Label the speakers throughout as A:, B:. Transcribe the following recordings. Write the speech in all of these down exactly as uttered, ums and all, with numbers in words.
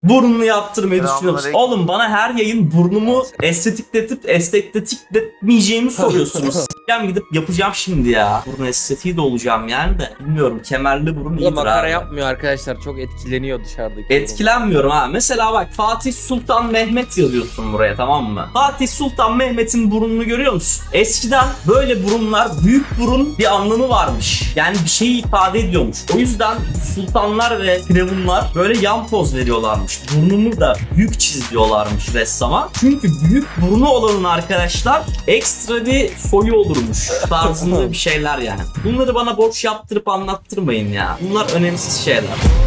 A: Burnunu yaptırmayı düşünüyor musun?
B: Selamünaleyküm.
A: Oğlum bana her yayın burnumu estetikletip estetikletmeyeceğimi soruyorsunuz. Ben gidip yapacağım şimdi ya. Burun estetiği de olacağım yani de. Bilmiyorum, kemerli burun
C: Bu da
A: iyidir
C: makara
A: abi.
C: yapmıyor arkadaşlar. Çok etkileniyor dışarıdaki.
A: Etkilenmiyorum ha. Mesela bak, Fatih Sultan Mehmet yazıyorsun buraya, tamam mı? Fatih Sultan Mehmet'in burnunu görüyor musun? Eskiden böyle burunlar, büyük burun bir anlamı varmış. Yani bir şeyi ifade ediyormuş. O yüzden sultanlar ve firavunlar böyle yan poz veriyorlarmış. Burnumu da büyük çiz diyorlarmış ressama. Çünkü büyük burnu olanın arkadaşlar ekstra bir soyu olurmuş. Tarzında bir şeyler yani. Bunları bana boş yaptırıp anlattırmayın ya. Bunlar önemsiz şeyler.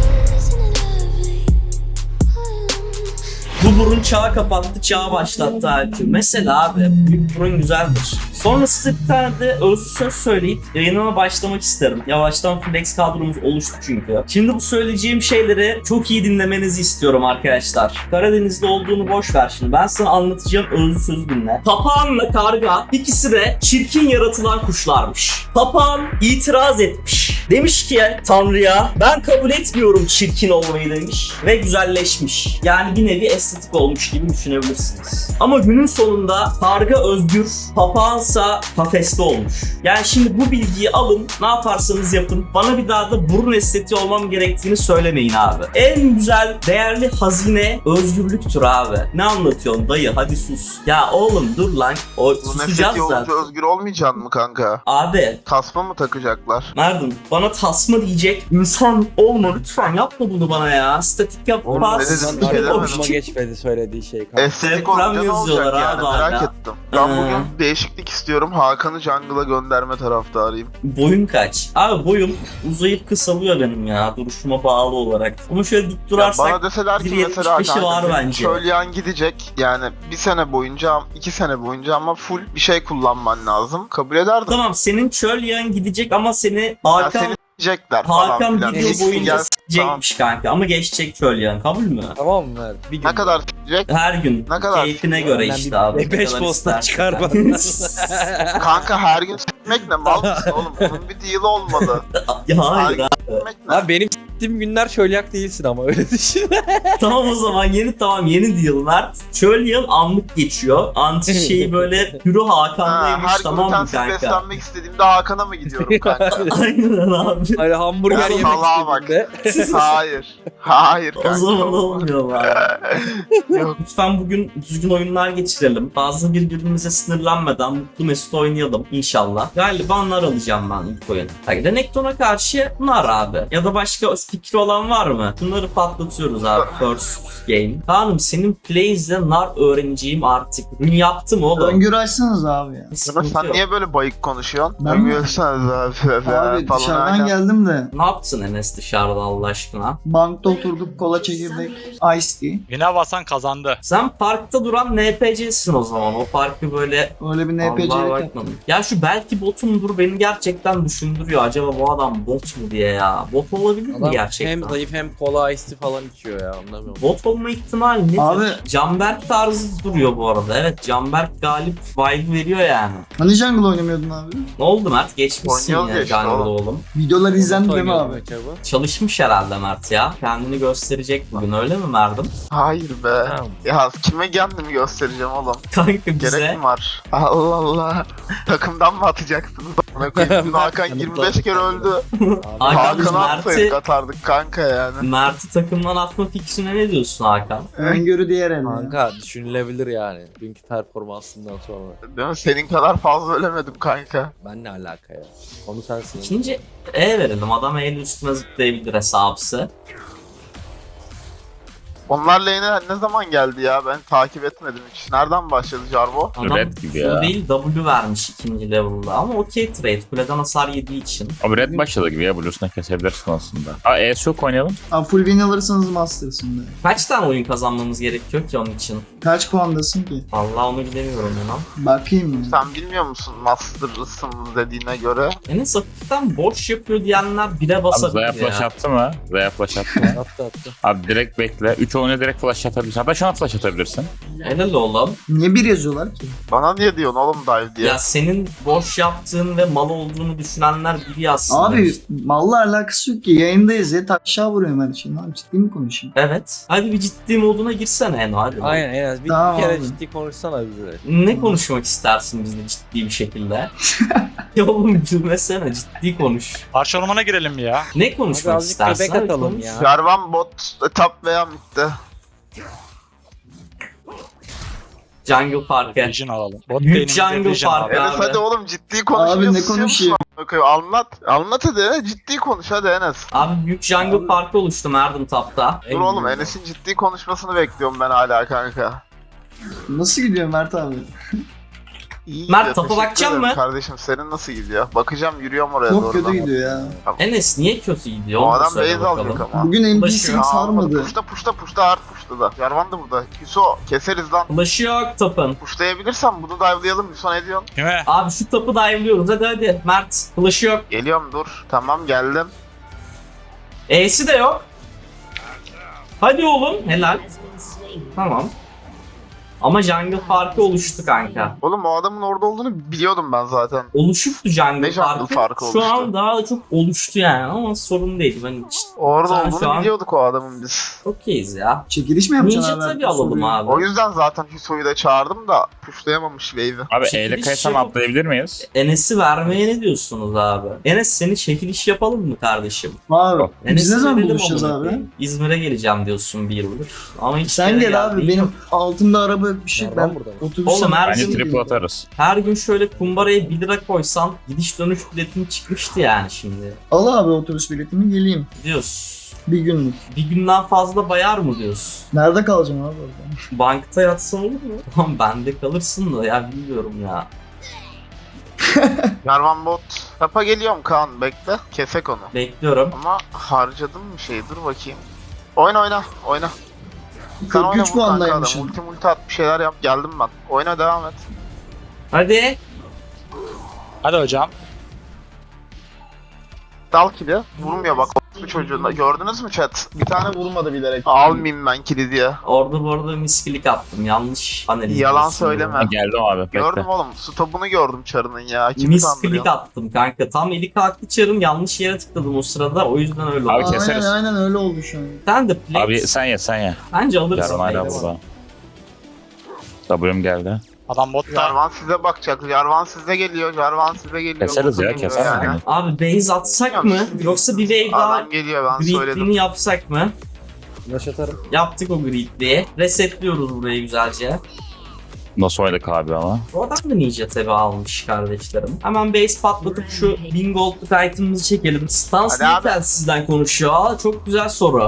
A: Bu burun çağı kapattı, çağı başlattı halbuki. Mesela abi, büyük burun güzeldir. Sonra size bir tane de özlü söz söyleyip yayınıma başlamak isterim. Yavaştan flex kadromuz oluştu çünkü. Şimdi bu söyleyeceğim şeyleri çok iyi dinlemenizi istiyorum arkadaşlar. Karadeniz'de olduğunu boş ver şimdi. Ben sana anlatacağım özlü sözü dinle. Papağanla karga ikisi de çirkin yaratılan kuşlarmış. Papağan itiraz etmiş. Demiş ki Tanrı'ya, ben kabul etmiyorum çirkin olmayı demiş. Ve güzelleşmiş. Yani bir nevi estetik olmuş gibi düşünebilirsiniz. Ama günün sonunda karga özgür, papağansa kafeste olmuş. Yani şimdi bu bilgiyi alın, ne yaparsanız yapın. Bana bir daha da burun estetiği olmam gerektiğini söylemeyin abi. En güzel, değerli hazine özgürlüktür abi. Ne anlatıyorsun dayı, hadi sus. Ya oğlum dur lan, o
B: Bu
A: susacağız
B: mesleki olunca
A: zaten.
B: özgür olmayacaksın mı kanka?
A: Abi
B: Tasma mı takacaklar?
A: Merdan, bana tasma diyecek insan olma lütfen, yapma bunu bana ya. Statik yap.
B: Oğlum,
A: pas.
B: ne dedin?
C: Lan
B: Bir şey
C: aklıma
B: demedim.
C: geçmedi söylediği şey kanka.
B: Estetik
A: Deprem
B: olunca ne
A: yazıyorlar
B: olacak yani,
A: abi
B: merak
A: hala.
B: ettim. Ben
A: Ee.
B: bugün değişiklik istiyorum. Hakan'ı jungle'a gönderme taraftarıyım.
A: Boyun kaç? Abi boyum uzayıp kısalıyor benim ya, duruşuma bağlı olarak. Ama şöyle dik
B: Ya
A: durarsak
B: bana deseler ki
A: bir
B: mesela
A: yetmiş beşi var
B: kanka
A: bence.
B: Çölyan gidecek yani bir sene boyunca, iki sene boyunca ama full bir şey kullanman lazım. Kabul ederdim.
A: tamam, senin çöl yağın gidecek ama seni
B: Ya
A: Hakan
B: seni s**ecekler falan
A: Hakan
B: filan.
A: video
B: Diyeceksin,
A: boyunca
B: gel-
A: s**ecekmiş kanka, ama geçecek çöl yağın, kabul mü?
C: Tamam mı Mert? Bir gün.
B: Ne kadar s**ecek?
A: Her gün
B: Ne kadar?
A: keyfine göre
C: Benden
A: işte
C: bir-
A: abi.
C: bir
A: ne
C: beş
A: kadar
C: posta
A: istersen.
C: çıkar bana.
B: Kanka her gün s**mek ne mal mısın oğlum? Bunun bir deal'i olmalı.
A: Ya hayır
B: Her
A: abi.
B: gün s**mek ne?
C: Abi benim s**tiğim günler çölyak değilsin ama öyle düşün.
A: Tamam o zaman yeni tamam yeni deal Mert. Çöl yağın anlık geçiyor. Anti şeyi böyle Hürü
B: Ha,
A: Hakan'daymış,
B: her
A: tamam mı
B: glutensiz
A: kanka?
B: beslenmek istediğimde Hakan'a mı gidiyorum kanka?
A: Aynen abi.
C: Hani hamburger
B: Ya
C: yemek
B: salağa bak.
C: istediğinde.
B: Hayır. Hayır kanka.
A: O zaman olmuyor abi.
B: Yok.
A: Lütfen bugün düzgün oyunlar geçirelim. Fazla birbirimize sınırlanmadan mutlu mesut oynayalım inşallah. Galiba nar alacağım ben ilk oyun. Bak Renekton'a karşı nar abi. Ya da başka fikri olan var mı? Bunları patlatıyoruz abi first game. Hanım senin plays'le nar öğreneceğim artık. Rün yaptım oğlum.
D: Öngörü açsanız abi ya.
A: Bir
B: Ama
A: sıkıntı
B: sen
A: yok.
B: niye böyle bayık konuşuyorsun?
D: Ben
B: Ben
D: mi?
B: görürseniz abi.
D: Abi
B: falan
D: dışarıdan
B: aynen.
D: geldim de
A: Ne yaptın Enes dışarıda Allah aşkına?
D: bankta oturduk, kola çekirdek, ice tea.
E: Güne basan kazandı.
A: Sen parkta duran N P C'sin o zaman. O parkı böyle
D: Öyle bir N P
A: Allah'a
D: C'lik
A: bakmadım.
D: yaptım.
A: Ya şu belki botumdur beni gerçekten düşündürüyor. Acaba bu adam bot mu diye ya. Bot olabilir mi
C: Adam
A: gerçekten?
C: hem zayıf hem kola ice falan içiyor ya, anlamıyorum.
A: Bot olma ihtimali nedir?
D: Abi-
A: Canberk tarzı duruyor bu arada. Evet, Canberk galip vibe veriyor yani.
D: Hani jungle oynamıyordun abi?
A: Ne oldu Mert? Geçmişsin
B: Oynuyoruz
A: ya
B: ya işte
A: jungle
B: oğlum.
A: oğlum.
D: Videolar izlendi değil mi
C: Oynuyordum
D: abi?
C: acaba.
A: Çalışmış herhalde Mert ya. Kendini gösterecek bugün, öyle mi Mert'im?
B: Hayır be.
C: Tamam.
B: Ya kime kendimi göstereceğim oğlum?
A: Kanka
B: Gerek
A: bize
B: mi var? Allah Allah. Takımdan mı atacaksınız? Bana koyayım. Dün Hakan yirmi beş kere öldü.
A: Hakan,
B: Hakan'ı
A: Mert'i-
B: atsaydık atardık kanka yani.
A: Mert'i takımdan atma fikrine ne diyorsun Hakan?
D: Öngörü diğer elde.
C: Kanka düşünülebilir yani. Dünkü performansından sonra.
B: Değil mi? Senin kadar fazla ölemedim kanka.
C: Ben ne alaka ya? Onu sensin.
A: İkinci E verelim. Adam el üstüne zıplayabilir hesabısı.
B: Onlar lane'e ne zaman geldi ya? Ben takip etmedim hiç. Nereden başladı Jarvo?
A: Adam
F: Red gibi
A: Q
F: ya.
A: değil W vermiş ikinci level'da ama okey trade. Kuleden hasar yediği için.
F: Abi red başladı gibi ya, Blues'una kesebilirsin aslında. Aa E S yok oynayalım.
D: Abi full win alırsanız Masters'ın da.
A: Kaç tane oyun kazanmamız gerekiyor ki onun için?
D: Kaç puandasın ki?
A: Vallahi onu bilemiyorum inan.
D: Bakayım ya.
B: Sen bilmiyor musun Master'ısın dediğine göre?
A: Enes hafiften boş yapıyor diyenler bire
F: Abi
A: basabilir
F: Zaya flash
A: ya.
F: attı mı? Zaya flash attı mı?
C: Attı attı.
F: Abi direkt bekle. üç çoğunu direkt flash atabilirsin. Hatta şu an flash atabilirsin.
A: Helal oğlum.
D: Niye bir yazıyorlar ki?
B: Bana niye diyorsun oğlum dive diye?
A: Ya senin boş yaptığın ve mal olduğunu düşünenler biri aslında.
D: Abi malla alakası yok ki. Yayındayız ya. Aşağı vuruyorum her şeyi. Abi ciddi mi konuşayım?
A: Evet. Hadi bir ciddi moduna girsene Eno hadi.
C: Aynen en az bir,
D: Tamam
C: bir kere
D: abi.
C: ciddi konuşsana bize.
A: Ne konuşmak istersin bizle ciddi bir şekilde? Ya oğlum gülmesene ciddi konuş.
E: Parça ormana girelim ya.
A: Ne konuşmak
C: Abi azıcık
A: istersin?
C: göbek
A: Hadi
C: atalım
A: konuş.
C: ya.
B: Jarvan bot top veya midde.
A: Jungle Park'ı.
E: Vision alalım. Bot
A: Büyük
E: lane'imizde
A: jungle
E: Vision
A: park
E: abi.
A: ya.
B: Enes
A: Abi.
B: hadi oğlum ciddi konuşmuyorsun.
D: Abi ne konuşayım?
B: Anlat. Anlat hadi Enes. Ciddi konuş hadi Enes.
A: Abi büyük Jungle Park'ı oluştu Erdem Tap'ta.
B: Dur oğlum Enes'in ciddi konuşmasını bekliyorum ben hala kanka.
D: Nasıl gidiyor Mert abi?
B: İyi
A: Mert,
B: gidiyor,
A: topa
B: teşekkür
A: bakacaksın
B: ederim
A: mı?
B: Kardeşim senin nasıl gidiyor? Bakacağım yürüyorum oraya
D: Çok
B: doğru.
D: kötü
B: da.
D: gidiyor ya.
A: Enes niye kötü gidiyor?
B: O
A: Onu da
B: adam
A: söyle
B: base alacak
A: bakalım.
B: ama.
D: Bugün N P C'yi
A: Ulaşıyor.
D: sarmadı.
B: Puşta puşta puşta hard puşta da. Jarvan da burada. Hüso keseriz lan.
A: Flash'ı yok Tap'ın.
B: Puşlayabilirsem bunu dive'layalım. Hüso ne diyorsun?
E: Kime?
A: Abi şu Tap'ı dive'liyoruz hadi hadi. Mert flash'ı yok.
B: Geliyorum dur. Tamam geldim.
A: E'si de yok. Hadi oğlum helal. Tamam. Ama Jungle Park'ı oluştu kanka.
B: Oğlum o adamın orada olduğunu biliyordum ben zaten.
A: Oluşuktu Jungle
B: Ne Jungle
A: Park'ı.
B: Park'ı
A: Şu
B: oluştu?
A: an daha çok oluştu yani ama sorun değil. Ben hiç
B: Orada
A: Sen şu
B: olduğunu
A: an-
B: biliyorduk o adamın biz.
A: okeyiz ya.
D: Çekiliş mi yapacaksın
A: Ninja
D: abi?
A: tabii alalım
D: Soruyu.
A: abi.
B: O yüzden zaten Hüso'yu da çağırdım da puşlayamamış wave'i.
F: Abi
A: Çekiliş
F: eyle kaysam
A: yapıp-
F: atlayabilir miyiz?
A: Enes'i vermeye ne diyorsunuz abi? Enes seni çekiliş yapalım mı kardeşim?
D: Abi biz
A: Enes'i
D: ne zaman
A: verelim
D: buluşacağız
A: amına
D: abi?
A: koyayım. İzmir'e geleceğim diyorsun bir yıldır. Ama hiç
D: Sen
A: yere
D: gel abi
A: geldiğin
D: benim
A: yok.
D: altımda araba yok bir şey.
C: Nereden
D: Ben
C: burada mı?
D: otobüse
A: Oğlum, her
F: Bence
A: Bizim
F: triple atarız.
A: Her gün şöyle kumbaraya bir lira koysan gidiş dönüş biletin çıkmıştı yani şimdi.
D: Al abi otobüs biletimi geleyim.
A: Diyoruz.
D: Bir günlük.
A: Bir günden fazla bayar mı diyorsun?
D: Nerede kalacağım abi orada?
A: Bankta yatsan olur mu? Tamam bende kalırsın da ya bilmiyorum ya.
B: Jarvan bot. Tapa geliyorum Kaan bekle. Kesek onu.
A: Bekliyorum.
B: Ama harcadım bir şey dur bakayım. Oyna oyna oyna. Sen
D: kırk
B: oyna
D: üç
B: vur kanka adam.
D: puandaymışım.
B: Multi multi at bir şeyler yap geldim ben. Oyna devam et.
A: Hadi.
E: Hadi hocam.
B: Dal kili. Vurmuyor bak bu çocuğunda. Gördünüz mü chat? Bir tane vurmadı bilerek. Almayayım ben kili diye.
A: Orada bu arada miskilik attım. Yanlış analiz.
B: Yalan
A: diyorsun
B: söyleme.
A: ya.
F: Ha, geldim abi bekle.
B: Gördüm oğlum. Stopunu gördüm çarının ya. Kimi
A: Miskilik
B: kandırıyorsun?
A: attım kanka. Tam eli kalktı çarım yanlış yere tıkladım o sırada. O yüzden öyle
F: Abi
A: oldu.
F: keseriz.
D: Aynen aynen öyle oldu şu an.
A: Sen de plate.
F: Abi sen ye sen ye.
A: Bence alırsın.
F: Jarvan hala
A: plate.
F: burada. W'm geldi.
E: Adam botta.
B: Jarvan size bakacak. Jarvan size geliyor. Jarvan size geliyor.
F: Keseriz ya
B: Geliyor
F: keseriz.
B: yani.
F: Yani.
A: Abi base atsak mı? Yoksa bir wave daha
B: Adam geliyor ben söyledim.
A: greedliğini yapsak mı?
C: Flash atarım.
A: Yaptık o greedliği. Resetliyoruz burayı güzelce.
F: Nasıl oynadık abi ama?
A: Bu adam da ninja tabi almış kardeşlerim. Hemen base patlatıp şu bin goldluk item'ımızı çekelim. Stans
B: Hadi abi.
A: niye sizden konuşuyor? Aa, çok güzel soru.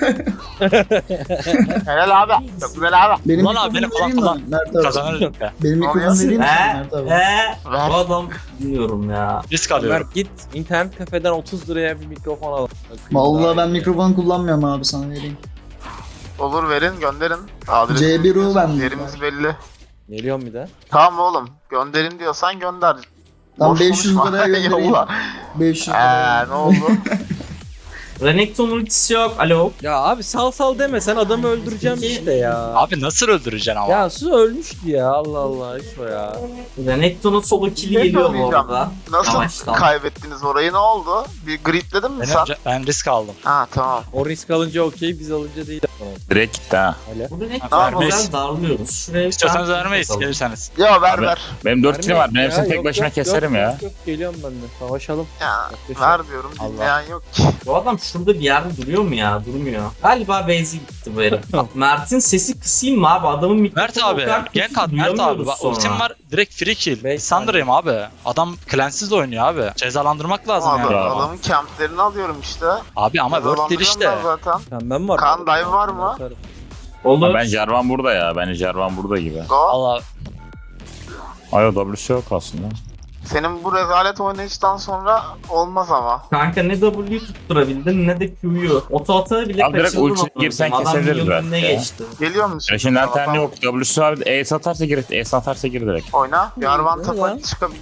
B: Helal abi. Çok güzel abi.
D: Benim
E: Ulan abi,
D: mikrofonu
E: beni falan
D: vereyim mi Mert abi?
E: Kazanırız be.
D: Benim mikrofonu
B: Nasıl?
D: vereyim mi
A: He?
D: sana Mert abi?
A: He?
B: Ver.
A: Bu adam bilmiyorum ya.
E: Risk alıyorum.
C: Ömer git internet kafeden otuz liraya bir mikrofon al.
D: Vallahi ben mikrofon kullanmıyorum abi sana vereyim.
B: Olur verin gönderin. Adresiniz-
D: C bir U bende.
B: Yerimiz belli.
C: Geliyorum bir de.
B: Tamam oğlum. Gönderin diyorsan gönder.
D: Tam
B: Boş
D: beş yüz
B: konuşma.
D: liraya göndereyim.
B: Yolla.
D: beş yüz liraya.
B: Eee ne oldu?
A: Renekton ultisi yok. Alo.
C: Ya abi sal sal deme sen adamı öldüreceğim işte ya.
E: Abi nasıl öldüreceksin ama?
C: Ya su ölmüştü ya Allah Allah hiç o ya.
A: Renekton'un solo kill'i
B: Ne
A: geliyor bu
B: söyleyeceğim?
A: arada.
B: Nasıl
A: Yavaştan.
B: kaybettiniz orayı ne oldu? Bir gridledin mi
E: Ben,
B: sen?
E: önce- ben risk aldım.
B: Ha tamam.
C: O risk alınca okey biz alınca değil.
F: Direkt gitti ha.
C: Öyle.
A: Bu Renekton'u
B: Tamam,
A: güzel
E: vermeyiz.
A: darlıyoruz. Şuraya bir
E: İstiyorsanız
A: tane
E: vermeyiz
A: bakalım.
E: gelirseniz.
B: Ya ver
F: Abi,
B: ver.
F: Benim dört kilim var. Ben
C: Ya,
F: hepsini tek
C: yok,
F: başıma
C: yok,
F: keserim
C: yok,
F: ya.
C: Yok, yok geliyorum ben de savaşalım.
B: Ya
C: Yaklaşık.
B: ver diyorum
C: Allah.
B: dinleyen yok ki.
A: Bu adam şurada bir yerde duruyor mu ya? Durmuyor. Galiba base'e gitti bu herif. Mert'in sesi kısayım mı abi? Adamın mikrofonu
E: Mert abi,
A: o kadar kötü
E: gank at
A: ki
E: Mert abi.
A: duyamıyoruz
E: Bak
A: sonra.
E: ultim var direkt free kill.
C: Beş
E: Sandra'yım abi. Adam cleansiz oynuyor abi. Cezalandırmak lazım
B: Adam,
E: yani.
F: Bravo.
B: adamın camplerini alıyorum işte.
E: Abi ama work değil işte.
B: Cezalandırıyorum ben zaten.
C: Pembem var.
B: Kaan dive var mı?
C: Atarım.
A: Olur.
F: Ha, ben Jarvan burada ya. Bence Jarvan burada gibi.
B: Go.
E: Allah
F: Ay o W'su yok aslında.
B: Senin bu rezalet oynayıştan sonra olmaz ama.
A: Kanka ne W'yu tutturabildin ne de Q'yu. Oto ata bile
F: Abi direkt
A: kaçırdın.
F: ulti
A: amına
F: girsen
A: koyayım. Adam
F: kesebiliriz
A: milyonun
F: belki
A: önüne
F: ya.
A: geçti.
B: Geliyor musun?
F: Flash'in lanterni
B: Tamam.
F: yok. W'su abi. Ace atarsa gir. Ace atarsa gir direkt.
B: Oyna. Yarvan
C: Ne
B: tapa
C: lan?
B: çıkabilir.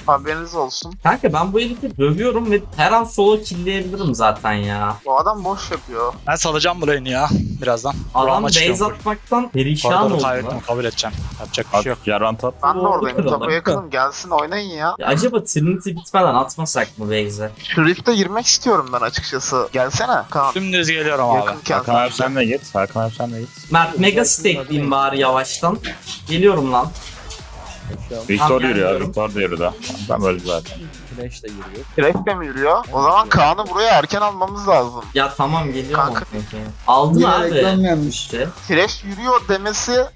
B: Haberiniz olsun.
A: Kanka ben bu herifi dövüyorum ve her an solo killleyebilirim zaten ya.
B: Bu adam boş yapıyor.
E: Ben salacağım bu lane'i ya birazdan.
A: Adam
E: Buram'a
A: base
E: çıkıyorum.
A: atmaktan perişan
E: Koridoru
A: oldu
E: kaybettim,
A: lan.
E: kabul edeceğim. Yapacak bir şey yok.
F: At, yarvan tat.
B: Ben de
A: Doğru
B: oradayım.
A: kırıldı.
B: Tapu yakınım. Gelsin oynayın ya.
A: Ya acaba Trinity bitmeden atmasak mı base'e?
B: Şu Rift'e girmek istiyorum ben açıkçası. Gelsene Kaan.
E: Dümdüz geliyorum abi.
B: Yakınken
F: Hakan abi
B: sen.
F: sen de git. Hakan abi sen de git.
A: Mert mega stackleyeyim bari yavaştan. Geliyorum lan.
C: Yaşıyorum.
F: Victor
A: Tamam,
F: yürüyor.
A: gelmiyorum.
F: Victor da yürüdü. Ben öldü zaten.
C: Flash de giriyor.
B: Direkt de mi yürüyor? O zaman Kaan'ı buraya erken almamız lazım.
A: Ya tamam geliyorum.
B: Kanka.
A: Kanka. Aldın
D: Yine
A: abi.
D: reklam gelmiş.
A: İşte.
B: Thresh yürüyor demesi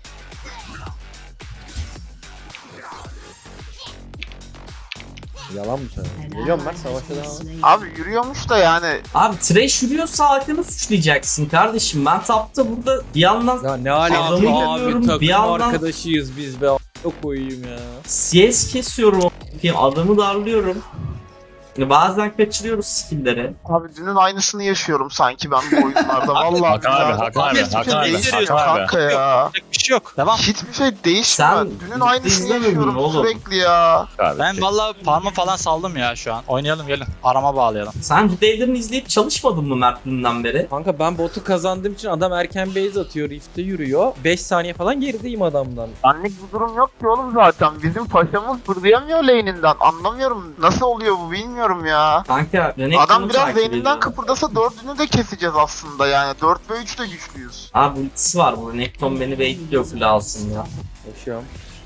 C: Yalan mı söylüyorsun? Geliyorum ben savaşa devam.
B: abi yürüyormuş da yani
A: Abi trash yürüyorsa Hakan'ı suçlayacaksın kardeşim. Ben tapta burada bir yandan
C: Ya ne alaka
A: Adamı görüyorum,
C: abi, takım
A: bir yandan-
C: arkadaşıyız biz be. Çok koyayım ya.
A: C S kesiyorum. Adamı darlıyorum. Yani bazen kaçırıyoruz skill'leri.
B: abi dünün aynısını yaşıyorum sanki ben bu oyunlarda. Vallahi
F: Hakan abi,
B: billahi.
F: Hakan abi,
B: Hiçbir
F: Hakan
B: şey
F: abi,
B: değişmiyor
F: Hakan abi.
B: kanka ya.
E: Yapacak bir şey yok. Devam.
B: Hiçbir şey değişmiyor.
A: Sen
B: Dünün aynısını
A: izlemedin
B: yaşıyorum
A: mi oğlum?
B: sürekli ya.
F: Abi.
E: Ben valla farmı falan saldım ya şu an. Oynayalım gelin. Arama bağlayalım.
A: Sen videolarını izleyip çalışmadın mı Mert dünden beri?
C: Kanka ben botu kazandığım için adam erken base atıyor, rift'e yürüyor. beş saniye falan gerideyim adamdan.
B: Anlık bir durum yok ki oğlum zaten. Bizim paşamız fırlayamıyor lane'inden. Anlamıyorum. Nasıl oluyor bu bilmiyorum ya.
A: Kanka Renekton'u
B: Adam biraz
A: takip
B: lane'inden
A: ediyorum.
B: kıpırdasa dördünü de keseceğiz aslında yani. dört ve üç de güçlüyüz.
A: Abi ultisi var bu. Renekton beni bekliyor full alsın ya.
C: Yaşıyorum.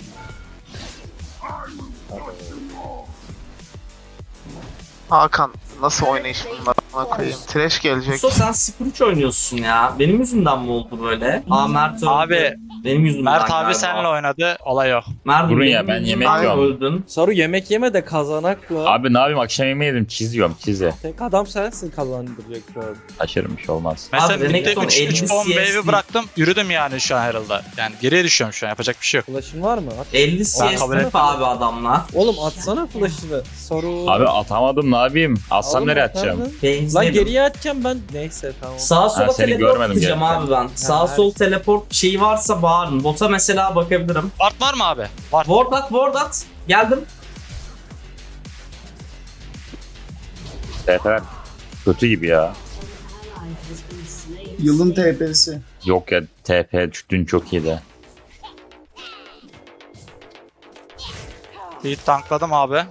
B: Hakan nasıl oynayış bunlar? Ona koyayım. Trash gelecek.
A: Yoksa sen sıfır üç oynuyorsun ya. Benim yüzümden mi oldu böyle? Aa Mert öldü.
E: Abi
A: Benim yüzümden
E: Mert
A: galiba.
E: abi seninle oynadı. Olay o.
A: Mert
F: Durun
A: benim
F: ya, ben
A: yüzümden
F: yemek yiyorum.
A: öldün.
C: Saru yemek yeme de kazanak mı?
F: Abi ne yapayım akşam yemeği yedim. Çiz yiyorum çizi.
C: Tek adam sensin kazandıracak şu an.
F: Aşırı bir şey olmaz.
E: Mesela
A: Abi,
E: midde
A: Renekton
E: üç
A: elli
E: on
A: C S
E: wave'i bıraktım. Yürüdüm yani şu an Herald'a. Yani geriye düşüyorum şu an. Yapacak bir şey yok.
C: Flash'ın var mı? At.
A: elli
E: Ben
A: C S
E: kabul
A: tip
E: etmem.
A: abi adamlar.
C: Oğlum atsana flash'ını. Saru.
F: Abi atamadım ne yapayım? Atsam
C: Oğlum
F: nereye
C: atardın.
F: atacağım?
C: Lan
A: Benzerim.
C: geriye atacağım ben. Neyse tamam.
A: Sağa sola
F: Ha, seni
A: teleport
F: görmedim
A: atacağım
F: gerçekten.
A: abi ben. Sağ
C: Ha,
A: sol teleport şeyi varsa bağırın. Bota mesela bakabilirim.
E: Ward var mı abi? Var.
A: Ward at, ward at. Geldim.
F: T P kötü gibi ya.
D: Yılın T P'si.
F: Yok ya T P dün çok iyiydi.
E: Bir tankladım abi.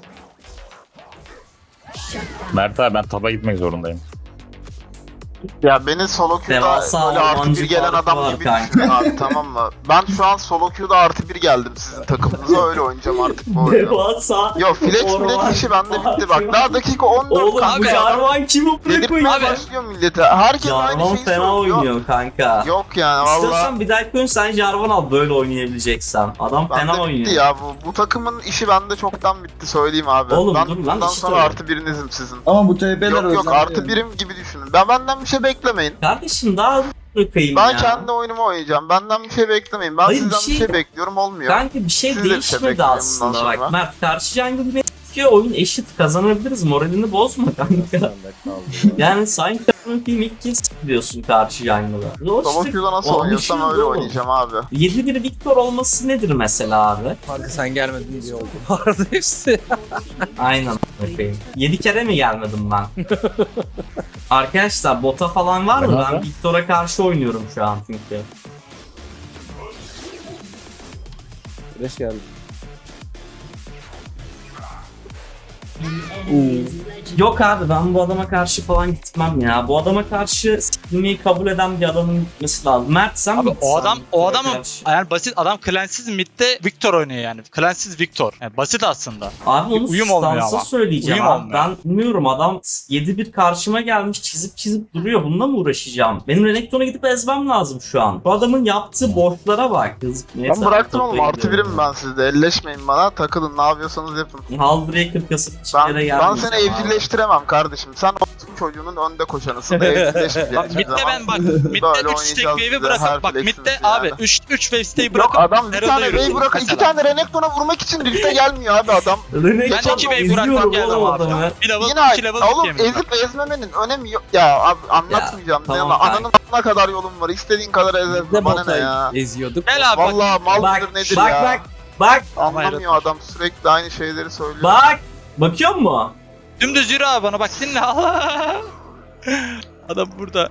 F: Mert abi ben taba gitmek zorundayım.
B: Ya beni solo queue'da
A: Devasa
B: böyle artı
A: Almancı
B: bir gelen
A: farkı
B: adam
A: var
B: gibi
A: kanka.
B: düşünün abi tamam mı? Ben şu an solo queue'da artı bir geldim sizin takımınıza öyle oynayacağım artık bu oyunu.
A: Devasa.
B: Yo flex
A: Orman
B: flex işi bende bitti
A: farkı.
B: bak daha dakika on dört
A: Oğlum bu
B: kanka.
A: Jarvan kimi bırak
B: Dedirtmeye
A: oynuyor?
B: başlıyor millete. Herkes aynı
A: Jarvan
B: şeyi
A: fena
B: söylüyor.
A: oynuyor kanka.
B: Yok yani valla.
A: İstiyorsan bir dahaki oyun sen Jarvan al böyle oynayabileceksen. Adam
B: Bende
A: fena
B: bitti
A: oynuyor.
B: ya bu, bu takımın işi bende çoktan bitti söyleyeyim abi.
A: Oğlum
B: ben
A: dur lan,
B: bundan
A: işi
B: sonra
A: söyle.
B: artı birinizim sizin.
D: Ama bu T P'ler
B: Yok yok
D: özel
B: artı
D: yani.
B: birim gibi düşünün. Ben benden bir şey beklemeyin.
A: Kardeşim daha bırakayım
B: Ben
A: ya.
B: kendi oyunumu oynayacağım. Benden bir şey beklemeyin. Ben
A: Hayır,
B: sizden
A: bir
B: bir
A: şey-
B: şey, bekliyorum olmuyor.
A: Kanka bir şey
B: Siz de bir şey
A: değişmedi
B: bekleyin bundan
A: aslında
B: sonra.
A: bak. Mert karşı jungle beni tutuyor, oyun eşit kazanabiliriz, moralini bozma kanka.
C: Sen de kaldı.
A: Yani sanki takımın ilk kez diyorsun karşı jungle'a.
B: Solo queue'da nasıl oynuyorsam öyle oynayacağım abi.
A: yedi bir Victor olması nedir mesela abi?
C: Kanka sen gelmedin diye oldu. Vardı hepsi.
A: Aynen bakayım. yedi kere mi gelmedim ben? Arkadaşlar bota falan var mı? Ben Victor'a karşı oynuyorum şu an çünkü.
C: Flash geldi.
A: Yok abi ben bu adama karşı falan gitmem ya. Bu adama karşı sikilmeyi kabul eden bir adamın gitmesi lazım. Mert sen
E: Abi
A: mi
E: o adam
A: gitsen
E: o
A: Victor'a
E: adamın
A: karşı?
E: yani basit adam Clans'siz midde Victor oynuyor yani. Clans'siz Victor. Yani basit aslında.
A: Abi onu
E: Uyum olmuyor
A: stansa
E: ama.
A: söyleyeceğim
E: Uyum
A: abi.
E: olmuyor.
A: Ben bilmiyorum adam yedi bir karşıma gelmiş çizip çizip duruyor. Bununla mı uğraşacağım? Benim Renekton'a gidip ezmem lazım şu an. Bu adamın yaptığı boşlara bak. Kız,
B: Ben bıraktım oğlum artı birim ben sizde. Elleşmeyin bana. Takılın ne yapıyorsanız yapın.
A: Hallbreaker kasıp hiçbir
B: Ben,
A: yere
B: ben
A: gelmeyeceğim
B: seni
A: abi.
B: evcilleştiremem kardeşim. Sen o çocuğunun önde koşanısın. Evcilleşmeyeceksin.
E: Bak midde ben bak midde
B: Böyle
E: üç stack
B: oynayacağız
E: wave'i
B: bize,
E: bırakıp
B: her
E: bak
B: fleximiz
E: midde
B: yani.
E: abi üç üç wave stack'i
B: Yok
E: bırakıp
B: adam bir
E: Herald'a
B: tane
E: yürüdüm
B: Ray bırak, iki
E: mesela.
B: tane Renekton'a vurmak için Rift'e gelmiyor abi adam.
A: Renekton
E: Ben iki wave bırakmam
A: izliyorum
E: geldim
A: oğlum
E: abi.
A: adamı.
E: Bir level,
B: Yine
E: iki level
B: oğlum
E: yemin ederim.
B: ezip ezmemenin önemi yok. Ya abi anlatmayacağım.
A: Ya,
B: Ya,
A: tamam
B: ananın ana kadar yolum var. İstediğin kadar ez
C: Ne
B: ezme bana ne
C: botayı
B: ya.
C: eziyorduk.
E: Gel abi bak.
B: Vallahi mal
A: Bak
B: mıdır nedir
A: bak
B: ya.
A: bak. Bak
B: Anlamıyor adam, sürekli aynı şeyleri söylüyor.
A: bak. Bakıyor mu?
E: Dümdüz yürü abi bana bak dinle. Adam burada.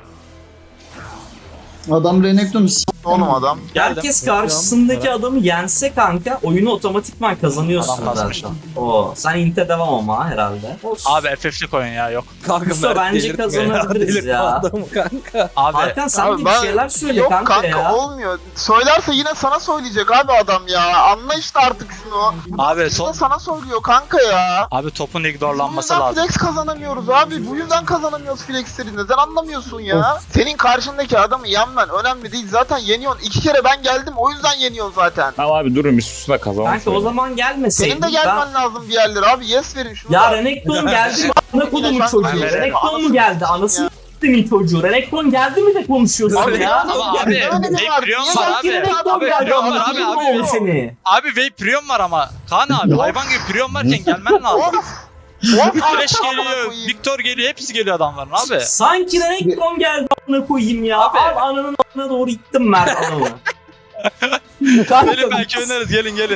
D: Adam Renekton'u s***.
B: Oğlum adam.
A: Herkes karşısındaki adamı yense kanka oyunu otomatikman kazanıyorsun
E: Adam basmış
A: zaten. Oo, sen inte devam ama herhalde. Olsun.
E: Abi F F'lik oyun ya yok.
C: Kanka
A: Usta,
C: Mert
A: bence
C: delirtme
A: kazanabiliriz
C: delirtme
A: ya.
C: adamı kanka.
E: Abi
A: Hakan sen
B: Abi
A: de bir
B: ben-
A: şeyler söyle
B: Yok
A: kanka,
B: kanka,
A: ya.
B: olmuyor. Söylerse yine sana söyleyecek abi adam ya. Anla işte artık şunu.
E: Abi
B: Yine
E: son
B: sana söylüyor kanka ya.
E: abi topun
B: Bu
E: ignorlanması
B: yüzden
E: lazım.
B: flex kazanamıyoruz abi. Bu yüzden kazanamıyoruz flexleri. Neden anlamıyorsun ya? Senin karşındaki adamı yenmen önemli değil. Zaten yeniyorsun. İki kere ben geldim, o yüzden yeniyorsun zaten.
F: Tamam abi durun bir susun da kazanalım.
A: Kanka o zaman gelmeseydin.
B: Senin de gelmen lazım bir yerlere abi. Yes verin şunu.
A: Ya
B: da.
A: Renekton geldi mi? Ana kodumun
B: Ben-
A: çocuğu.
B: Ben-
A: Renekton mu
B: Ben-
A: geldi? Anasını s**timin çocuğu. Renekton geldi mi de konuşuyorsun
B: Abi
A: ya?
E: Ama abi
B: Ne önemi
E: Vape
B: var?
E: Prion
B: Niye
E: var
A: Sanki
E: abi.
A: Renekton
E: Abi
A: geldi.
E: Prion var abi
A: Anlatayım mı
E: abi.
A: oğlum seni?
E: Abi Vape Prion var ama Kaan abi hayvan gibi Prion varken gelmen lazım.
B: Of! Of!
E: Flash
B: Amına
E: geliyor,
B: koyayım.
E: Victor geliyor, hepsi geliyor adamların abi.
A: Sanki Renekton geldi amına koyayım ya.
E: Abi.
A: Al ananın amına doğru ittim Mert adamı. Kanka,
E: Gelin belki oynarız gelin gelin.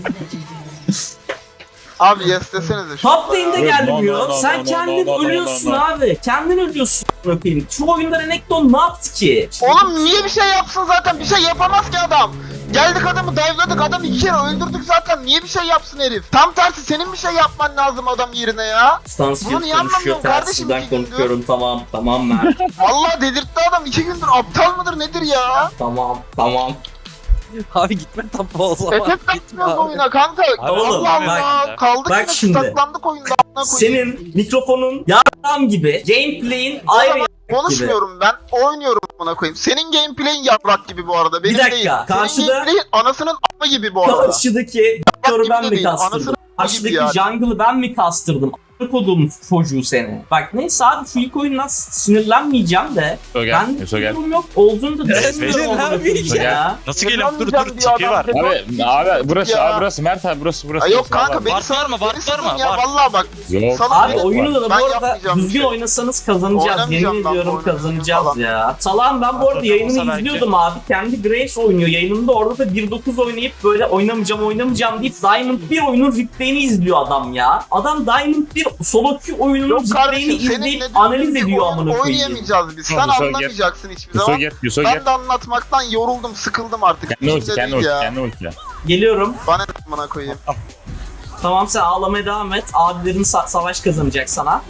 B: Abi yes desenize şunu.
A: Top lane'de
F: Evet,
A: gelmiyor.
F: no, no, no,
A: Sen
F: no,
A: kendin
F: no, no, no,
A: ölüyorsun
F: no, no.
A: abi. Kendin ölüyorsun amına koyayım. Şu oyunda Renekton ne yaptı ki?
B: Oğlum niye bir şey yapsın zaten? Bir şey yapamaz ki adam. Geldik adamı dive'ladık, adamı iki kere öldürdük zaten. Niye bir şey yapsın herif? Tam tersi senin bir şey yapman lazım adam yerine ya.
A: Stansfield
B: Bunu niye
A: konuşuyor.
B: anlamıyorum kardeşim
A: Tersizden
B: iki gündür?
A: konuşuyorum. Tamam tamam Mert.
B: Vallahi delirtti adam, iki gündür aptal mıdır nedir ya?
A: tamam tamam.
C: Abi gitme tapa o zaman.
B: Efekt
C: Gitme
B: takmıyoruz
C: abi.
B: oyuna kanka.
A: Oğlum,
B: Allah
A: bak-
B: Allah. Kaldık
A: bak
B: yine
A: şimdi.
B: saklandık oyunda. amına koyayım.
A: Senin mikrofonun yarram gibi. Gameplay'in ayrı
B: Ama konuşmuyorum ben, oynuyorum buna koyayım. Senin gameplay'in yaprak gibi bu arada, benim
A: Bir dakika,
B: değil.
A: karşıda-
B: Senin gameplay'in anasının a**ı gibi bu arada.
A: karşıdaki Victor'u
B: gibi
A: ben
B: de
A: mi
B: değil,
A: kastırdım?
B: anasını
A: Karşıdaki
B: yani.
A: jungle'ı ben mi kastırdım? A**lık olduğum çocuğu seni. Bak neyse abi şu ilk oyundan sinirlenmeyeceğim de.
F: Yusuf gel.
A: Ben
F: Yusuf gel.
A: durum yok olduğunu da düşünmüyorum.
C: Sinirlenmeyeceğim.
A: amına koyayım ya.
E: Nasıl geliyorum? Dur
B: Sinirlenmeyeceğim
E: dur
B: diyor
E: tipi
B: adam.
E: var.
F: Abi abi burası
B: Ya.
F: abi burası Mert abi burası burası.
B: Ay yok
F: burası,
B: kanka
F: vallahi.
B: beni
E: Var var mı? Var
B: beni
E: var mı?
B: sakın ya,
E: Var.
B: vallahi bak.
F: Yok.
B: Sana
A: Abi
B: beni-
A: oyunu da bu
B: Ben
A: arada
B: yapmayacağım bir
A: düzgün
B: şey.
A: oynasanız kazanacağız.
B: Oynamayacağım
A: Yemin
B: ben bu
A: ediyorum
B: oyunu
A: kazanacağız
B: falan.
A: ya. Salam ben bu arada
E: Olsa
A: yayınını
E: belki.
A: izliyordum abi. Kendi Grace oynuyor yayınında. Orada da bir dokuz oynayıp böyle oynamayacağım oynamayacağım deyip Diamond bir oyunun replay'ini izliyor adam ya. Adam Diamond bir solo queue oyunun
B: Yok
A: replay'ini
B: kardeşim, senin
A: izleyip
B: dediğin
A: analiz
B: gibi
A: ediyor
B: oyun
A: amına koyayım.
B: oynayamayacağız biz. Sen
F: Yusuf gel.
B: anlamayacaksın hiçbir
F: Yusuf
B: zaman.
F: gel. Yusuf gel.
B: Ben de anlatmaktan yoruldum, sıkıldım artık.
F: Kendi ulti
B: İçimde
F: kendi
B: değil
F: ulti
B: ya.
F: kendi ulti.
A: Geliyorum.
B: Bana ne amına koyayım.
A: Tamam sen ağlamaya devam et. Abilerin sa- savaş kazanacak sana.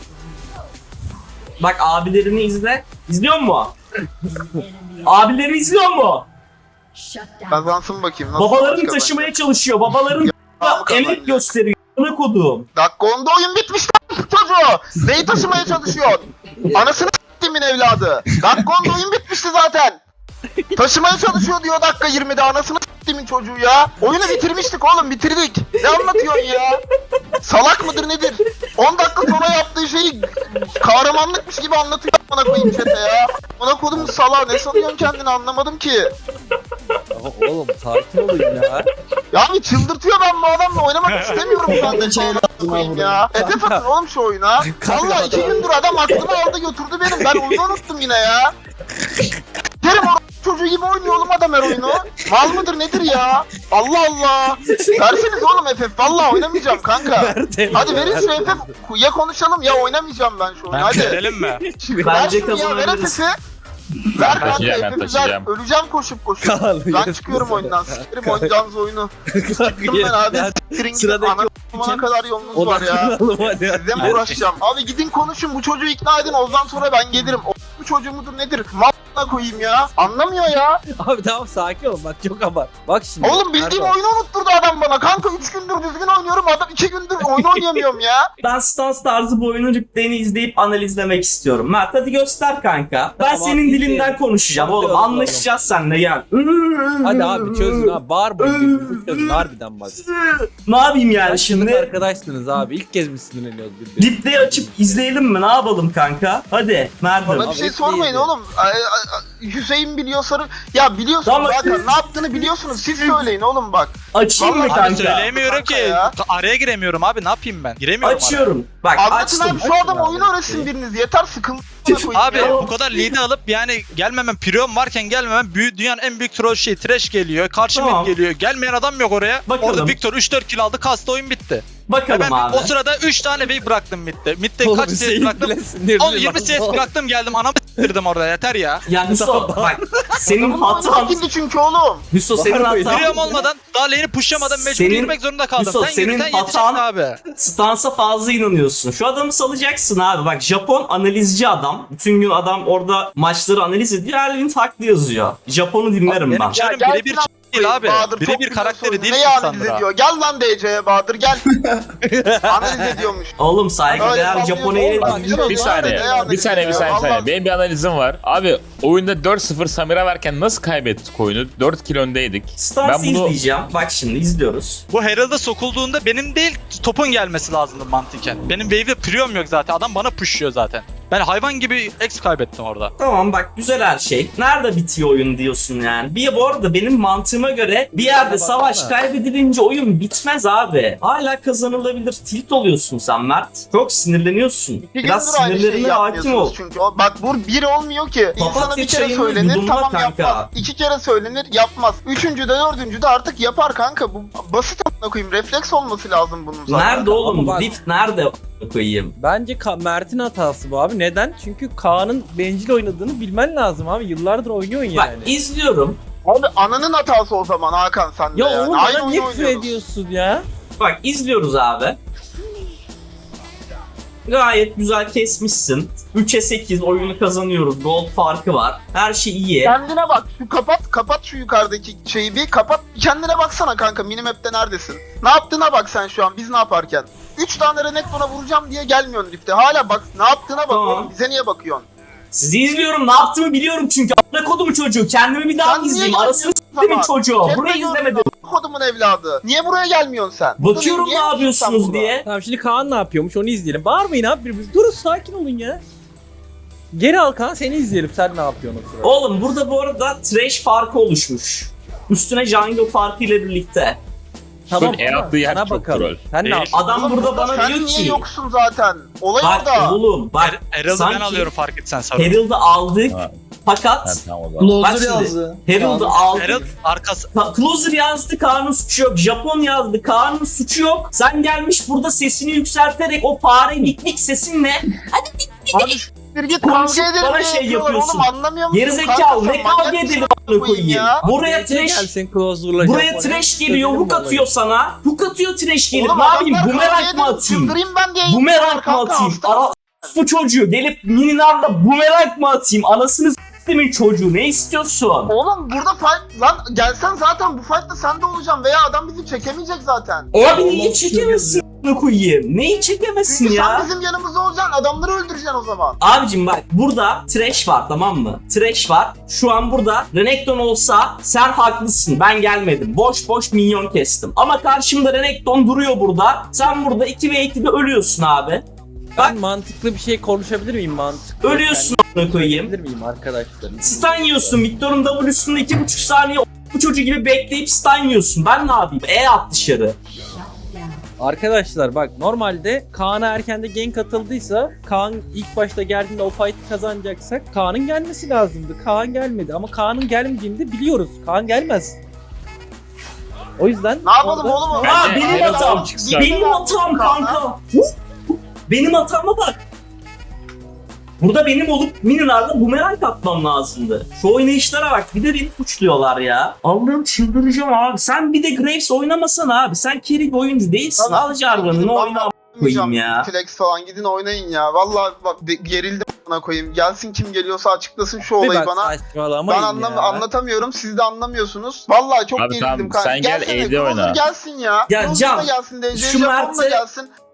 A: Bak abilerini izle. İzliyor mu? Abileri izliyor mu?
B: Kazansın bakayım. Nasıl
A: Babaların
B: savaş
A: taşımaya çalışıyor. Babaların
B: kazanacak?
A: emek
B: Kazanacak.
A: gösteriyor. Ana kodum.
B: Dakika onda oyun bitmiş lan çocuğu. Neyi taşımaya çalışıyor? Anasını s**timin evladı. Dakika onda oyun bitmişti zaten. Taşımaya çalışıyor diyor dakika yirmide, anasını s**timin çocuğu ya. Oyunu bitirmiştik oğlum, bitirdik. Ne anlatıyorsun ya? Salak mıdır nedir? on dakika sonra yaptığı şeyi kahramanlıkmış gibi anlatıyor bana koyayım chat'e ya. Bana kodumun salağı, ne sanıyorsun kendini, anlamadım ki.
C: Ya oğlum sakin olun ya.
B: Ya abi çıldırtıyor, ben bu adamla oynamak istemiyorum ben de
D: Şey lazım
B: koyayım
D: abi.
B: ya. Edep atın oğlum şu oyuna. Valla iki gündür adam aklımı aldı götürdü benim. Ben oyunu unuttum yine ya. Derim o çocuğu gibi oynuyor oğlum adam her oyunu. Mal mıdır nedir ya? Allah Allah. Verseniz oğlum F F. Valla oynamayacağım kanka. Hadi verin şu F F. Ya konuşalım ya, oynamayacağım ben şu oyunu.
E: Ben
B: Hadi.
E: verelim mi?
B: Ver
A: Bence
B: şunu ya, ver F
A: kazanabiliriz.
B: F'i. Ver kanka
F: taşıyacağım, ben
B: F F'i ver.
F: taşıyacağım.
B: Öleceğim koşup koşup.
C: Kaan,
B: Ben
C: yes.
B: çıkıyorum oyundan. Sikerim oynayacağınız oyunu. Çıktım ben abi. Siktirin gidin.
C: Sıradaki
B: Ana kumana kadar yolunuz var ya.
C: Odaklanalım hadi.
B: Sizle mi uğraşacağım? Abi gidin konuşun, bu çocuğu ikna edin, ondan sonra ben gelirim. O bu çocuğu mudur nedir? Malına koyayım ya. Anlamıyor ya.
C: Abi tamam sakin ol bak çok abart. Bak şimdi.
B: Oğlum bildiğim
C: Erdoğan.
B: oyunu unutturdu adam bana. Kanka üç gündür düzgün oynuyorum, adam iki gündür oyun oynayamıyorum ya.
A: Ben stans tarzı bu oyunun replay'ini izleyip analizlemek istiyorum. Mert hadi göster kanka. Ben
C: Tamam,
A: senin
C: abi,
A: dilinden
C: izleyelim.
A: konuşacağım oğlum.
C: Konuşalım,
A: Anlaşacağız seninle gel.
C: Hadi abi çözün abi. Bağırmayın birbirinizi çözün harbiden bak.
A: Ne yapayım yani
C: Şimdi
A: şimdi?
C: arkadaşsınız abi. İlk kez mi sinirleniyoruz birbirine?
A: Replay'i açıp izleyelim mi? Ne yapalım kanka? Hadi Mert'im.
B: Bana bir şey sormayın oğlum. Ay, ay, Hüseyin biliyor sarı. Ya biliyorsunuz
A: Tamam.
B: Hakan ne yaptığını biliyorsunuz. Siz söyleyin oğlum bak.
A: Açayım mı
B: Vallahi
A: kanka?
E: Abi söyleyemiyorum
B: Kanka
E: ki.
B: ya.
E: Araya giremiyorum abi ne yapayım ben? Giremiyorum araya.
A: Açıyorum. Bak
B: Anlatın
A: açtım.
B: abi şu adam oyunu öğretsin biriniz. Yeter sıkıldı.
E: Abi
A: Ya.
E: bu kadar lead'i alıp yani gelmemem, priyon varken gelmemem büyük, dünyanın en büyük troll şey trash geliyor, karşı
A: Tamam.
E: mid geliyor. Gelmeyen adam yok oraya.
A: Bakalım.
E: Orada Victor üç dört kill aldı, kastı oyun bitti.
A: Bakalım
E: Ben
A: abi.
E: o sırada üç tane wave bıraktım midde. Midde
C: Oğlum
E: kaç C S
C: Hüseyin
E: bıraktım?
C: bile sinirli
E: on yirmi
C: lan.
E: C S bıraktım geldim anamı s**tirdim orada yeter ya.
A: Ya Hüso bak senin
B: Adamın oyunu
A: hatan.
B: sikildi çünkü oğlum.
A: Hüso senin
C: Var mıydı?
A: hatan.
E: Priyon olmadan daha lane'i pushlamadan mecbur
A: Senin-
E: yürümek zorunda kaldım.
A: Yusuf,
E: sen
A: senin
E: yürü sen yeteceksin
A: hatan-
E: abi.
A: Stansa fazla inanıyorsun. Şu adamı salacaksın abi. Bak Japon analizci adam. Bütün gün adam orada maçları analiz ediyor. Erwin haklı yazıyor. Japon'u dinlerim
E: Benim
A: ben.
E: canım
B: Ya
E: birebir
B: gelsin
E: değil abi.
B: Bahadır çok
E: Birebir
B: güzel
E: karakteri
B: söylüyor.
E: değil
B: Neyi analiz
E: Sandra.
B: ediyor? Gel lan D C'ye Bahadır gel. Analiz ediyormuş.
A: Oğlum
B: Öyle
A: saygıdeğer
B: sallıyor,
A: Japon'u
B: oğlum,
A: ele
B: bak,
A: dinliyor.
F: Bir saniye,
B: Ne
F: bir saniye, bir saniye, bir saniye.
B: Allah-
F: Benim bir analizim var. Abi oyunda dört sıfır Samira varken nasıl kaybettik oyunu? dört kill öndeydik.
A: Stans'ı
F: Ben bunu-
A: izleyeceğim. Bak şimdi izliyoruz.
E: Bu Herald'a sokulduğunda benim değil topun gelmesi lazımdı mantıken. Benim wave'de priyon yok zaten. Adam bana pushluyor zaten. Ben hayvan gibi X kaybettim orada.
A: Tamam bak güzel her şey. Nerede bitiyor oyun diyorsun yani. Bir bu arada benim mantığıma göre bir yerde
C: Baksana.
A: savaş kaybedilince oyun bitmez abi. Hala kazanılabilir. Tilt oluyorsun sen Mert. Çok sinirleniyorsun.
B: İki
A: Biraz
B: gündür aynı şeyi
A: sinirlerine hakim ol.
B: yapmıyorsunuz çünkü. O, bak bu bir olmuyor ki. İnsana
A: Papatya
B: bir kere
A: çayını
B: söylenir
A: yudumla
B: tamam
A: kanka.
B: yapmaz. İki kere söylenir yapmaz. Üçüncü de dördüncü de artık yapar kanka. Bu basit a**ına koyayım. Refleks olması lazım bunun zaten.
A: Nerede oğlum?
C: Ama bak-
A: Rift nerede koyayım?
C: Bence Ka- Mert'in hatası bu abi. Neden? Çünkü Kaan'ın bencil oynadığını bilmen lazım abi. Yıllardır oynuyorsun
A: Bak
C: yani.
A: izliyorum.
B: Abi ananın hatası o zaman Hakan sende
C: Ya
B: yani.
C: oğlum
B: Aynı
C: bana niye
B: oyunu
C: küfür
B: oynuyoruz.
C: ediyorsun ya?
A: Bak izliyoruz abi. Gayet güzel kesmişsin. üçe sekiz oyunu kazanıyoruz. Gold farkı var. Her şey iyi.
B: Kendine bak. Şu kapat, kapat şu yukarıdaki şeyi bir kapat. Kendine baksana kanka. Minimap'te neredesin? Ne yaptığına bak sen şu an. Biz ne yaparken? üç tane Renekton'a vuracağım diye gelmiyorsun Rift'e. Hala bak. Ne yaptığına bak
A: Tamam.
B: oğlum. Bize niye bakıyorsun?
A: Sizi izliyorum. Ne yaptığımı biliyorum çünkü. A**ına kodumu çocuğu. Kendimi bir daha
B: Sen
A: mı
B: niye
A: izleyeyim? Arasını
B: gelmiyorsun
A: s**timin
B: ama?
A: çocuğu.
B: Hep
A: Burayı
B: de
A: izlemedim.
B: gördüm, Kodumun evladı. Niye buraya gelmiyorsun sen? Burada
A: Bakıyorum
B: niye
A: ne
B: yoksun sen
A: yapıyorsunuz
B: burada?
A: diye.
C: Tamam şimdi Kaan ne yapıyormuş onu izleyelim. Bağırmayın abi birbirimiz. Durun sakin olun ya. Geri al Kaan seni izleyelim. Sen ne yapıyorsun o sırada?
A: Oğlum burada bu arada trash farkı oluşmuş. Üstüne jungle farkı ile birlikte.
C: Tamam
F: E
C: ama
F: attığı yer
C: sana
F: çok
C: bakalım.
F: troll.
C: Sen ne
E: Değil.
C: yapıyorsun?
A: Adam
B: Oğlum
A: burada bana
B: sen
A: diyor
B: niye
A: ki.
B: yoksun zaten? Olay
A: Bak
B: orada.
A: oğlum bak.
E: Her- Herald'ı ben
A: sanki
E: alıyorum fark etsen sarı.
A: Herald'ı aldık.
F: Ha.
A: Fakat
F: Ha, tamam o zaman.
A: Bak
D: Closer
A: şimdi,
D: yazdı.
A: Herald'ı aldık.
E: Herald arkası.
A: Ta- Closer yazdı, Kaan'ın suçu yok. Japon yazdı, Kaan'ın suçu yok. Sen gelmiş burada sesini yükselterek o fare gitlik sesinle
B: Abi bir git
A: Konuşup
B: kavga edelim
A: bana
B: diye
A: şey
B: yapıyorlar
A: yapıyorsun.
B: oğlum anlamıyor musun?
A: gerizekalı
B: Kanka
A: ne
B: sen manyak
A: kavga
B: mısın
A: edelim
B: a**ına
A: a**ına
B: koyayım
A: koyayım.
B: ya?
A: Buraya
C: Gece
A: trash
C: gelsin Closer'la
A: Buraya
C: Japonya.
A: trash geliyor,
C: Söyledim
A: hook
C: olayı.
A: atıyor sana. Hook atıyor trash gelip
B: Oğlum
A: ne yapayım?
B: adamlar
A: Bumerang
B: kavga
A: mı
B: edelim,
A: atayım?
B: çıldırayım ben diye
A: Bumerang mı
B: yapıyorlar kanka,
A: atayım?
B: hasta
A: Ara bu çocuğu gelip mininarla bumerang mı atayım? Anasını s**timin çocuğu ne istiyorsun?
B: Oğlum burada fight lan gelsen zaten bu fight'ta sen de olacaksın veya adam bizi çekemeyecek zaten.
A: Abi niye çekemezsin a**ına koyayım? Neyi çekemezsin
B: Çünkü
A: ya?
B: sen bizim yanımızda olacaksın adamları öldüreceksin o zaman.
A: Abicim bak burada trash var tamam mı? Trash var. Şu an burada Renekton olsa sen haklısın. Ben gelmedim. Boş boş minyon kestim. Ama karşımda Renekton duruyor burada. Sen burada iki ve ikide ölüyorsun abi.
C: Ben mantıklı bir şey konuşabilir miyim mantıklı?
A: Ölüyorsun a**ına koyayım.
C: Konuşabilir miyim arkadaşlar?
A: Stun yiyorsun. Victor'un W'sunda iki buçuk saniye bu çocuğu gibi bekleyip stun yiyorsun. Ben ne yapayım? E at dışarı.
C: Arkadaşlar bak normalde Kaan'a erkende gank atıldıysa Kaan ilk başta geldiğinde o fight'ı kazanacaksak Kaan'ın gelmesi lazımdı. Kaan gelmedi ama Kaan'ın gelmediğini de biliyoruz. Kaan gelmez. O yüzden
B: Ne yapalım
C: orada-
B: oğlum? o-
A: Aa
F: Bence
A: benim
F: Herald
A: hatam.
F: alıp çıksa.
A: Benim hatam kanka. Benim hatama bak. Burada benim olup Minar'la bumerang atmam lazımdı. Şu oynayışlara bak. Bir de beni suçluyorlar ya. Allah'ım çıldıracağım abi. Sen bir de Graves oynamasana abi. Sen carry bir oyuncu değilsin.
B: Tamam.
A: Al Jarvan'ını
B: Ben
A: oyna koyayım ya.
B: Flex falan gidin oynayın ya. Vallahi bak de- gerildim bana koyayım. Gelsin kim geliyorsa açıklasın şu
C: Bir
B: olayı
C: bak
B: bana.
C: saçmalamayın
B: Ben anlam
C: ya.
B: anlatamıyorum. Siz de anlamıyorsunuz. Vallahi çok
F: Abi
B: gerildim
F: tamam,
B: kanka.
F: sen gel,
B: Gelsene,
F: A D
B: Closer
F: oyna.
B: gelsin ya.
A: Ya
B: Closer
A: Can,
B: da gelsin. D C
A: şu
B: Japon da
A: Mert'e-
B: gelsin.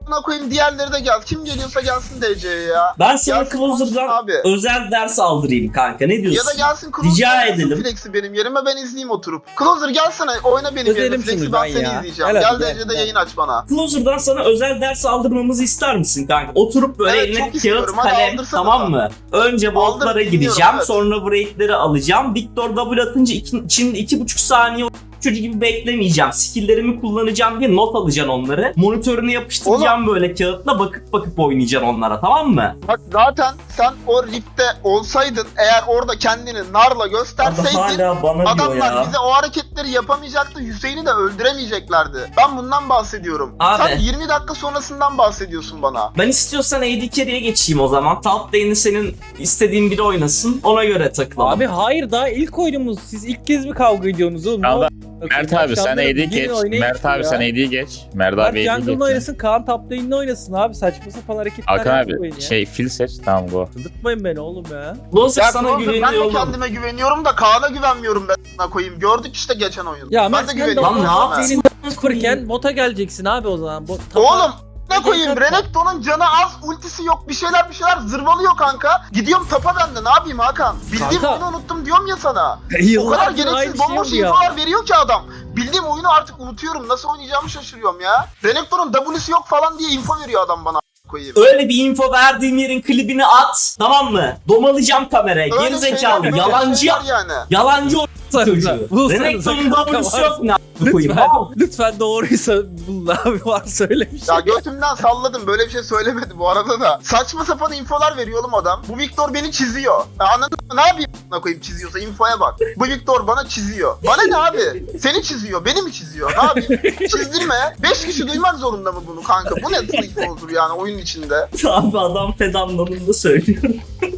B: a**ına koyayım diğerleri de gel. Kim geliyorsa gelsin D C'ye ya.
A: Ben sana
B: Gelsin
A: Closer'dan
B: konuşsun abi.
A: özel ders aldırayım kanka. Ne diyorsun?
B: Ya da gelsin Closer
A: Rica
B: yapsın
A: edelim.
B: Flex'i benim yerime ben izleyeyim oturup. Closer gelsene oyna benim yerime
C: Özelim
B: Flex'i
C: şunu
B: ben
C: ben
B: seni
C: ya.
B: izleyeceğim.
C: Gel
B: Gel
C: hadi,
B: D
C: gel,
B: C'de
C: gel.
B: yayın aç bana.
A: Closer'dan sana özel ders aldırmamızı ister misin kanka? Oturup böyle
B: Evet,
A: eline
B: çok
A: kağıt
B: istiyorum. Hadi
A: kalem,
B: aldırsana
A: tamam
B: sen.
A: mı? Önce boltlara
B: Aldır,
A: gireceğim,
B: dinliyorum, evet.
A: sonra breakleri alacağım. Victor W atınca iki, içinde iki buçuk saniye çocuğu gibi beklemeyeceğim. Skill'lerimi kullanacağım diye not alacaksın onları. Monitörünü yapıştıracağım böyle kağıtla, bakıp bakıp oynayacaksın onlara, tamam mı?
B: Bak zaten sen o ripte olsaydın eğer orada kendini narla
A: Abi
B: gösterseydin
A: hala bana diyor
B: adamlar
A: ya.
B: bize o hareketleri yapamayacaktı. Hüseyin'i de öldüremeyeceklerdi. Ben bundan bahsediyorum.
A: Abi.
B: Sen yirmi dakika sonrasından bahsediyorsun bana.
A: Ben istiyorsan A D Carry'e geçeyim o zaman. Top lane'i senin istediğin biri oynasın. Ona göre takılalım.
C: Abi hayır daha ilk oyunumuz. Siz ilk kez mi kavga ediyorsunuz oğlum?
F: Tamam,
C: Ne
F: Mert abi sen A D'yi geç. Mert abi sen A D'yi geç. Mert
C: Mert
F: abi A D'yi
C: jungle'ını
F: geç.
C: oynasın, Kaan top lane'ini oynasın abi. Saçma sapan hareketler
F: Hakan
C: yapmayın
F: abi
C: ya.
F: şey fil seç tamam go.
C: Çıldırtmayın beni oğlum ya.
A: Closer
B: Ya
A: sana
B: Closer, ben de
A: güveniyorum.
B: kendime güveniyorum da Kaan'a güvenmiyorum ben sana koyayım. Gördük işte geçen oyun.
C: Ya
B: ben
C: Mert
B: de
C: sen de
B: güveniyorum.
A: Lan ne
B: sana.
A: yaptın?
C: Senin sıfırken bota geleceksin abi o zaman. Bot,
B: Oğlum ne koyayım?
C: Kanka.
B: Renekton'un canı az, ultisi yok, bir şeyler bir şeyler zırvalıyor kanka. Gidiyorum tapa bende, ne yapayım Hakan? Bildiğim
C: Kanka.
B: oyunu unuttum diyorum ya sana. O kadar
C: Yıllardır
B: gereksiz
C: aynı şey
B: bomboş
C: oluyor.
B: infolar veriyor ki adam. Bildiğim oyunu artık unutuyorum, nasıl oynayacağımı şaşırıyorum ya. Renekton'un W'si yok falan diye info veriyor adam bana koyayım.
A: Öyle bir info verdiğim yerin klibini at. Tamam mı? Domalayacağım kameraya.
B: Öyle
A: Gerizekalı.
B: şeyler, böyle
A: Yalancı.
B: şeyler yani.
A: Yalancı o çocuğu.
C: Bulsanıza
A: Renekton'un
C: kanka
A: W'su
C: var.
A: yok ne a**ını koyayım.
C: Lütfen,
A: Tamam.
C: lütfen doğruysa bulun abi, var söylemiş.
B: Ya götümden salladım, böyle bir şey söylemedi bu arada da. Saçma sapan infolar veriyor oğlum adam. Bu Victor beni çiziyor. Ya anladın mı? Ne yapayım a**ına koyayım çiziyorsa, infoya bak. Bu Victor bana çiziyor. Bana ne abi? Seni çiziyor, beni mi çiziyor? Ne yapayım? Çizdirme. Beş kişi duymak zorunda mı bunu kanka? Bu ne info olur yani oyun içinde?
A: Abi adam fed anlamında söylüyorum.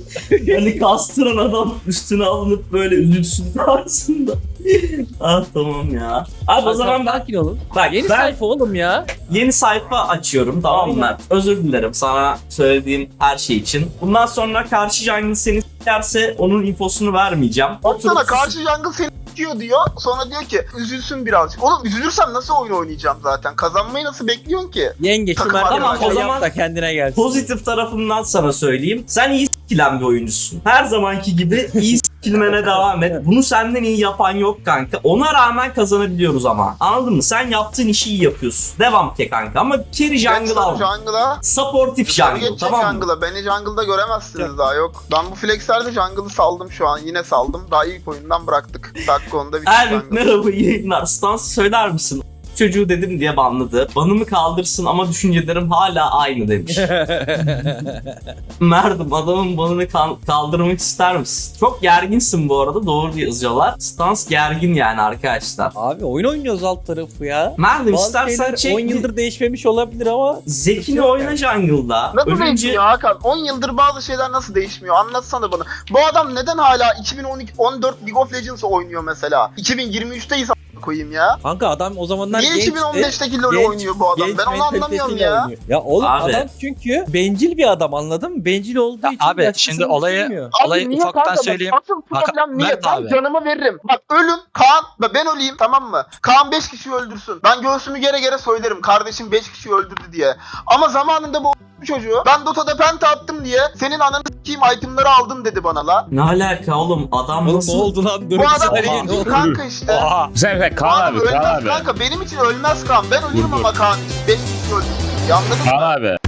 A: Yani kastıran adam üstüne alınıp böyle üzülsün tarzında. Ah tamam ya. Abi o zaman ben
C: sakin olun.
A: bak
C: Yeni
A: ben
C: sayfa oğlum ya.
A: yeni sayfa açıyorum, tamam mı?
C: Aynen.
A: Özür dilerim sana söylediğim her şey için. Bundan sonra karşı jungle seni s**erse onun infosunu vermeyeceğim.
B: Baksana
A: Oturup
B: karşı jungle seni s**iyor diyor. Sonra diyor ki üzülsün birazcık. Oğlum üzülürsem nasıl oyun oynayacağım zaten? Kazanmayı nasıl bekliyorsun ki?
C: Yenge şu
B: Takım
C: Mert'e
B: arkadaşı.
C: tamam,
A: O
C: o
A: zaman
C: zaman da kendine gelsin.
A: pozitif tarafından sana söyleyeyim. Sen iyi s**kilen bir oyuncusun. Her zamanki gibi iyi s**kilmene devam et. Bunu senden iyi yapan yok kanka. Ona rağmen kazanabiliyoruz ama. Anladın mı? Sen yaptığın işi iyi yapıyorsun. Devam ke kanka. Ama carry jungle
B: Geç
A: al.
B: jungle'a.
A: Supportif
B: Yukarı
A: jungle,
B: geçecek
A: tamam mı?
B: jungle'a. Beni jungle'da göremezsiniz daha yok. Ben bu flexlerde jungle'ı saldım şu an. Yine saldım. Daha ilk oyundan bıraktık. Dakika onda bitti
A: Ervik
B: jungle.
A: merhaba, iyi yayınlar. Stans söyler misin? Çocuğu dedim diye banladı. Banımı kaldırsın ama düşüncelerim hala aynı demiş. Merdim, adamın banını kal- kaldırmak ister misin? Çok gerginsin bu arada, doğru diye yazıyorlar. Stans gergin yani arkadaşlar.
C: Abi oyun oynuyoruz alt tarafı ya.
A: Merdim
C: Bazı
A: istersen
C: şeyler
A: çek.
C: on yıldır değişmemiş olabilir ama
A: Zekini oyna jungle'da.
B: Nasıl
A: Ölünce
B: değişmiyor Hakan? on yıldır bazı şeyler nasıl değişmiyor? Anlatsana bana. Bu adam neden hala iki bin on iki on dört League of Legends oynuyor mesela? iki bin yirmi üçteyiz a** koyayım ya.
C: kanka adam o zamanlar
B: Niye
C: gençti.
B: iki bin on beşteki LoL
C: genç-
B: oynuyor bu adam?
C: genç
B: Ben onu anlamıyorum
C: mentalitesiyle
B: ya.
C: oynuyor. Ya oğlum
A: Abi.
C: adam çünkü bencil bir adam, anladın mı? Bencil olduğu
E: Ya
C: için
E: abi,
C: başkasını
E: şimdi olayı-
C: düşünmüyor.
E: Olayı
B: niye
E: ufaktan
B: kanka? Bak,
E: söyleyeyim.
B: Asıl
E: Bak,
B: problem niye?
E: Mert
B: Ben
E: abi.
B: canımı veririm. Bak ölün Kaan, bak ben öleyim tamam mı? Kaan beş kişiyi öldürsün. Ben göğsümü gere gere söylerim kardeşim beş kişiyi öldürdü diye. Ama zamanında bu çocuğu ben Dota'da penta attım diye senin ananı s**eyim itemları aldım dedi bana la.
A: ne alaka oğlum, adam
C: Oğlum
A: nasıl?
C: ne oldu lan? Dur
B: Bu
C: bir
B: adam
C: saniye, ne
B: değil
C: oldu?
B: kanka işte.
E: Oha.
F: Güzel güzel
B: Bu
F: Kaan
B: adam
F: abi Kaan
B: ölmez
F: abi.
B: kanka. Benim için ölmez Kaan. Ben ölürüm
F: Dur, dur.
B: ama Kaan için. beş kişi öldürdü. Anladın mı?
F: Kaan abi.